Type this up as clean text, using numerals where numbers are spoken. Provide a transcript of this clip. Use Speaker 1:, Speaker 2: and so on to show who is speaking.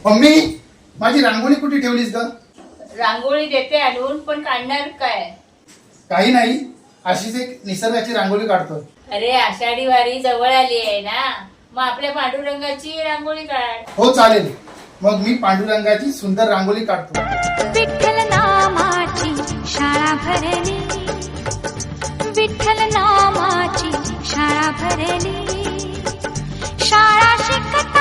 Speaker 1: Mummy माझी रांगोळी कुठे ठेवलीस ग?
Speaker 2: रांगोळी देते आणून, पण काढणार काय?
Speaker 1: काही नाही, अशीच एक निसर्गाची रांगोळी काढतो.
Speaker 2: अरे आषाढी वारी जवळ आली आहे ना, मग आपल्या पांडुरंगाची रांगोळी काढ.
Speaker 1: हो चालेल, मग मी पांडुरंगाची सुंदर रांगोळी काढतो.
Speaker 3: विठ्ठल नामाची शाळा भरली, विठ्ठल नामाची शाळा भरली, शाळा शिकत